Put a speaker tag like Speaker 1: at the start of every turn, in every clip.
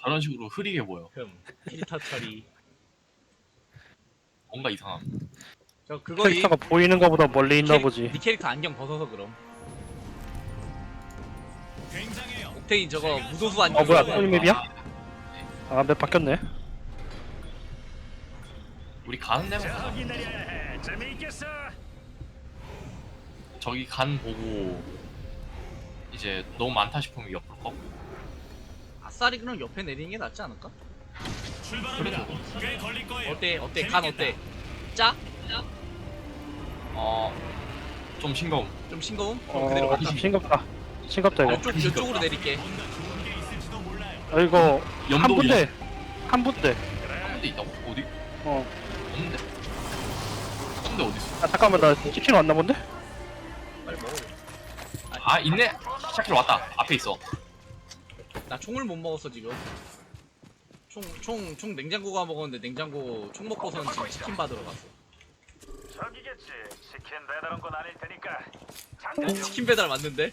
Speaker 1: 저런 식으로 흐리게 보여.
Speaker 2: 필터 처리.
Speaker 1: 뭔가 이상함.
Speaker 2: 저 그거
Speaker 3: 캐릭터가 보이는 거보다 멀리 있나 보지.
Speaker 2: 니 캐릭터 안경 벗어서 그럼. 옥테인 저거 무도수 안경.
Speaker 3: 뭐야,
Speaker 2: 벗어서
Speaker 3: 또 맵이야? 아, 맵 바뀌었네.
Speaker 1: 우리 가는 데만 가자.
Speaker 4: 저기 내려야 해. 재미있겠어.
Speaker 1: 저기 간 보고 이제 너무 많다 싶으면 옆으로 꺾고.
Speaker 2: 아싸리 그럼 옆에 내리는 게 낫지 않을까?
Speaker 4: 출발합니다. 꽤 걸릴 거예요.
Speaker 2: 어때? 간 어때? 짜?
Speaker 1: 좀 싱거움.
Speaker 2: 좀 싱거움? 그대로 갈까?
Speaker 3: 싱겁다. 싱겁다, 이거.
Speaker 2: 이쪽으로 내릴게.
Speaker 4: 뭔가 좋은 게 있을지도 몰라요.
Speaker 3: 아, 이거, 한
Speaker 1: 연도
Speaker 3: 분대. 한 분대.
Speaker 1: 한대 있다고? 어디?
Speaker 3: 어.
Speaker 1: 없는데? 한대 어디 있어?
Speaker 3: 아, 잠깐만, 나 치킨 왔나 본데?
Speaker 2: 빨리 먹어.
Speaker 1: 아 있네. 샤키로 왔다. 앞에 있어.
Speaker 2: 나 총을 못 먹었어 지금. 총 냉장고가 먹었는데 냉장고 총 먹고서는 지금 치킨 받으러 갔어.
Speaker 4: 저기겠지. 치킨 배달 온 건 아닐 테니까. 잠깐 좀.
Speaker 2: 치킨 배달 맞는데?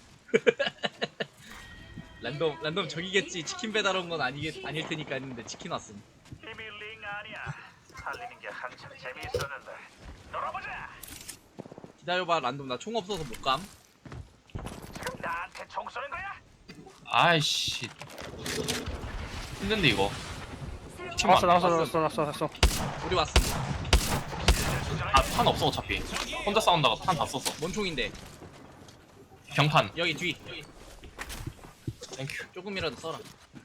Speaker 2: 랜덤 저기겠지. 치킨 배달 온 건 아닐 테니까 했는데 치킨 왔음.
Speaker 4: 힘이 링 아니야. 살리는 게 한참 재미있었는데. 놀아보자.
Speaker 2: 기다려봐 랜덤 나 총 없어서 못 감.
Speaker 4: 지금 나한테 총 쏘는 거야?
Speaker 1: 아이씨. 힘든데 이거.
Speaker 3: 나왔어.
Speaker 2: 우리 왔음.
Speaker 1: 탄 없어 어차피. 혼자 싸운다가 탄 다 썼어.
Speaker 2: 뭔 총인데?
Speaker 1: 경탄.
Speaker 2: 여기 뒤.
Speaker 1: 땡큐.
Speaker 2: 조금이라도 써라.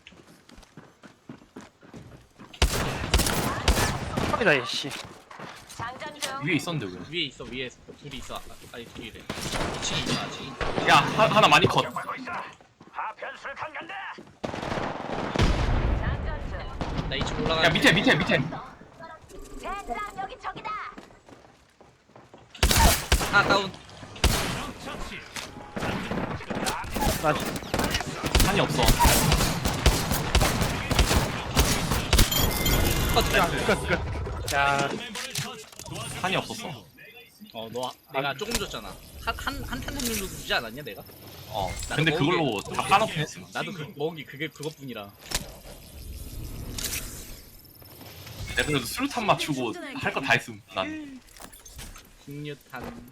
Speaker 3: 빡이다, 얘씨.
Speaker 1: 위에 있었는데 왜?
Speaker 2: 위에 있어 위에 둘이 있어. 아니 둘이래. 2층에 있어 아직.
Speaker 1: 야 하나 많이 컷.
Speaker 4: 하고 있어. 하편술 강 간다.
Speaker 2: 나 2층 올라가.
Speaker 1: 야 밑에.
Speaker 5: 여기 저기다.
Speaker 2: 하나 다운.
Speaker 3: 나,
Speaker 1: 탄이 없어.
Speaker 3: 야,
Speaker 1: 탄이 없었어.
Speaker 2: 너 내가 조금 줬잖아. 한탄 정도 주지 않았냐 내가?
Speaker 1: 근데
Speaker 2: 나도
Speaker 1: 그걸로 다 까놓긴 했어.
Speaker 2: 나도 먹은 게 그것뿐이라.
Speaker 1: 내가 그래도 수류탄 맞추고 할 거 다 했음. 난.
Speaker 2: 흑류탄.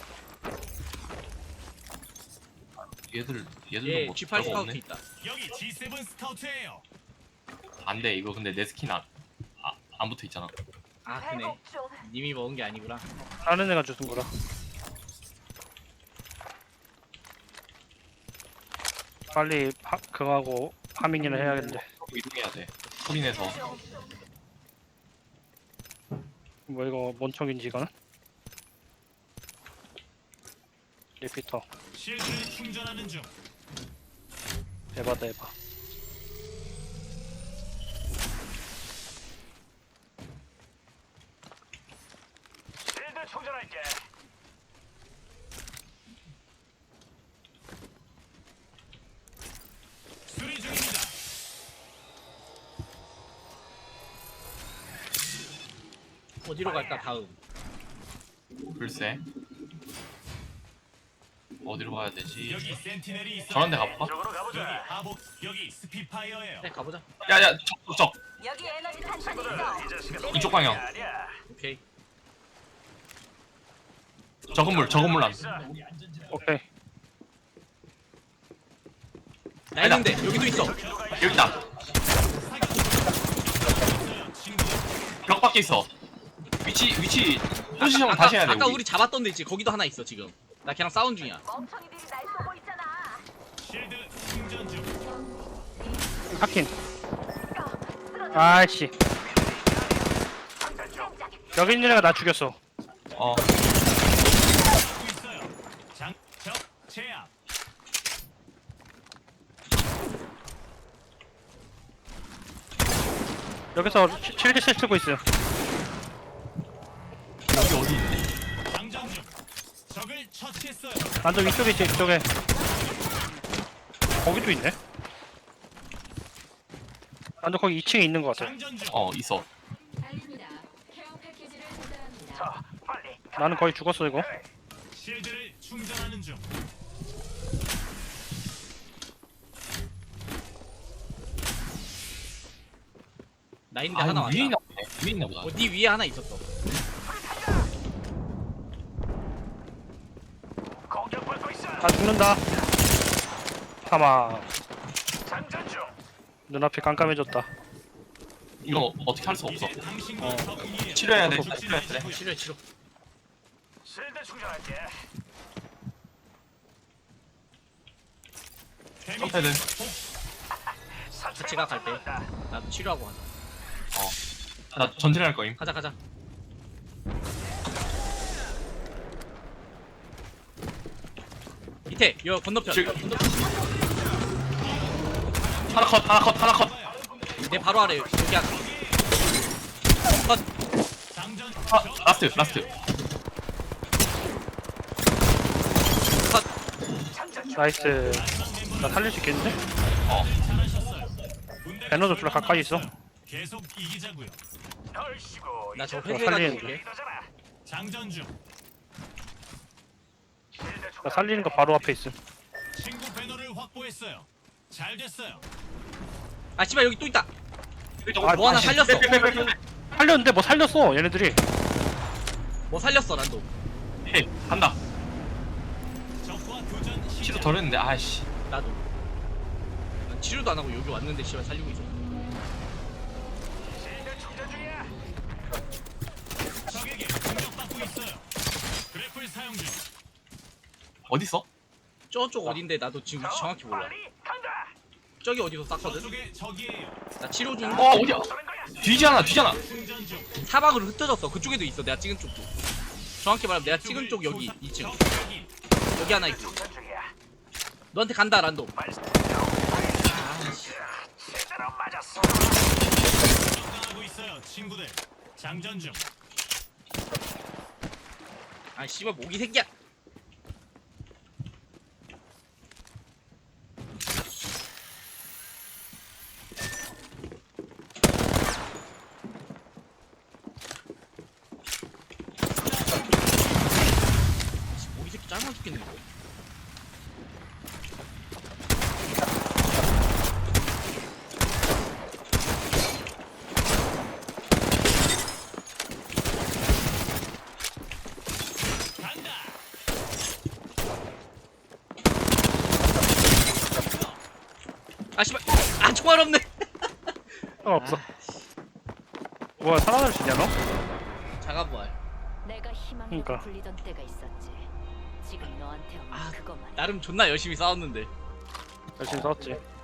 Speaker 1: 얘들도
Speaker 2: 예,
Speaker 1: 뭐
Speaker 2: G8
Speaker 1: 별거
Speaker 2: 스카우트
Speaker 1: 없네.
Speaker 2: 있다.
Speaker 4: 여기 G7 스카우트예요.
Speaker 1: 안돼 이거 근데 내 스킨 안 붙어 있잖아.
Speaker 2: 아 그네. 님이 먹은 게 아니구나.
Speaker 3: 다른 애가 주는 거라. 빨리 그거 하고 파밍이나 해야겠는데.
Speaker 1: 이동해야 돼. 소리 내서.
Speaker 3: 뭐 이거 뭔 총인지 이거는? 리피터.
Speaker 4: 실드를 충전하는 중.
Speaker 3: 에바다.
Speaker 4: 실드 충전할게. 수리 중입니다.
Speaker 2: 어디로 갈까 다음?
Speaker 1: 글쎄. 어디로 가야 되지?
Speaker 4: 여기 센티넬이 있어.
Speaker 1: 저런 데 가볼까?
Speaker 4: 이쪽으로 가보자. 여기 하복, 여기 스피파이어예요.
Speaker 2: 네 가보자.
Speaker 1: 야야 적.
Speaker 5: 여기 에너지 탄창이 있어.
Speaker 4: 이 자식은
Speaker 1: 이쪽 방향.
Speaker 4: 아니야.
Speaker 2: 오케이.
Speaker 1: 저 건물 안.
Speaker 3: 오케이.
Speaker 2: 나 있는데 여기도 있어.
Speaker 1: 여기 있다. 벽 밖에 있어. 위치 포지션 다시 해야 돼.
Speaker 2: 아까 우리 잡았던 데 있지. 거기도 하나 있어 지금. 나 걔랑 싸운 중이야.
Speaker 5: 멍청이들이 날 쏘고 있잖아.
Speaker 4: 실드 충전 중.
Speaker 3: 하킨. 아이씨. 여기 있는 애가 나 죽였어.
Speaker 4: 하고 있어요. 적 제압.
Speaker 3: 여기서 실드실 쓰고 있어요.
Speaker 1: 여기 어디 있네.
Speaker 4: 장전 중. 적을 처치했어요.
Speaker 3: 완전 위쪽에 있지, 이쪽에. 거기도 있네. 완전 거기 2층에 있는 것 같아.
Speaker 4: 장전 중.
Speaker 1: 있어.
Speaker 4: 자, 빨리.
Speaker 3: 나는 거의 죽었어, 이거.
Speaker 4: 실드를 충전하는 중.
Speaker 2: 나 있는데
Speaker 1: 아
Speaker 2: 하나
Speaker 1: 이거
Speaker 2: 왔다.
Speaker 1: 위에 있나 보네. 위에 있나 보다.
Speaker 2: 네 위에 하나 있었어.
Speaker 4: 공격받고 있어.
Speaker 3: 아 죽는다. 사망.
Speaker 4: 장전 중.
Speaker 3: 눈앞이 깜깜해졌다.
Speaker 1: 이거 어떻게 할 수 없어.
Speaker 3: 어.
Speaker 1: 치료해야 돼. 치료해야 돼.
Speaker 2: 치료.
Speaker 4: 실드 충전할게.
Speaker 1: 점패드.
Speaker 2: 같이 가, 갈 때. 나도 치료하고 가자.
Speaker 1: 나 전진할 거임.
Speaker 2: 가자. 밑에 여 건너편.
Speaker 1: 지금.
Speaker 2: 건너편.
Speaker 1: 하나 컷.
Speaker 2: 내 바로 아래 여기 하나. 컷.
Speaker 1: 아, 라스트.
Speaker 2: 컷.
Speaker 3: 나이스. 나 살릴 수 있겠는데?
Speaker 1: 어.
Speaker 3: 배너도 졸라 가까이 있어.
Speaker 6: 계속 이기자고요.
Speaker 4: 널씨고.
Speaker 2: 나 저
Speaker 3: 어,
Speaker 2: 회수해가지고
Speaker 3: 살리는데.
Speaker 2: 올게.
Speaker 6: 장전 중.
Speaker 3: 나 살리는 거 바로 앞에 있음.
Speaker 6: 친구 배너를 확보했어요. 잘 됐어요.
Speaker 2: 아 씨발 여기 또 있다.
Speaker 3: 아,
Speaker 2: 뭐 하나
Speaker 1: 다시.
Speaker 2: 살렸어.
Speaker 1: 빼.
Speaker 3: 살렸는데 뭐 살렸어 얘네들이.
Speaker 2: 뭐 살렸어 란도.
Speaker 1: 헤이 간다.
Speaker 6: 적과 교전
Speaker 1: 치료
Speaker 6: 시작.
Speaker 1: 덜 했는데 아이씨.
Speaker 2: 나도. 난 치료도 안 하고 여기 왔는데 씨발 살리고 있어.
Speaker 4: 실드 충전 중이야.
Speaker 6: 적에게 공격받고 있어요. 그래플 사용 중.
Speaker 1: 어딨어?
Speaker 2: 저쪽 어딘데 나도 지금 위치 정확히 몰라.
Speaker 4: 빨리 간다.
Speaker 2: 저기 어디서 쐈거든.
Speaker 6: 저쪽에 적이에요.
Speaker 2: 나 치료 중.
Speaker 1: 어디야?
Speaker 4: 쏘는 거야.
Speaker 1: 뒤잖아.
Speaker 6: 충전 중.
Speaker 2: 사방으로 흩어졌어. 그쪽에도 있어. 내가 찍은 쪽도. 정확히 말하면 내가 찍은 쪽 여기 2층.
Speaker 6: 적 확인.
Speaker 2: 여기 하나 있고.
Speaker 4: 충전 중이야.
Speaker 2: 너한테 간다 란도.
Speaker 4: 발사.
Speaker 2: 아씨.
Speaker 4: 제대로 맞았어.
Speaker 6: 적당하고 있어요, 친구들. 장전 중.
Speaker 2: 아 씨발 모기 새끼야. 모기 새끼 짧아 죽겠네 이거.
Speaker 6: 간다.
Speaker 2: 아 씨발. 아 총알 없네.
Speaker 3: 없어. 뭐야 살아날 수 있냐 너?
Speaker 2: 자가부활.
Speaker 5: 내가 희망으로
Speaker 3: 그러니까.
Speaker 5: 불리던 때가 있었지. 지금 너한테 없는
Speaker 2: 아,
Speaker 5: 그거 말이야.
Speaker 2: 나름 존나 열심히 싸웠는데.
Speaker 3: 열심히 싸웠지.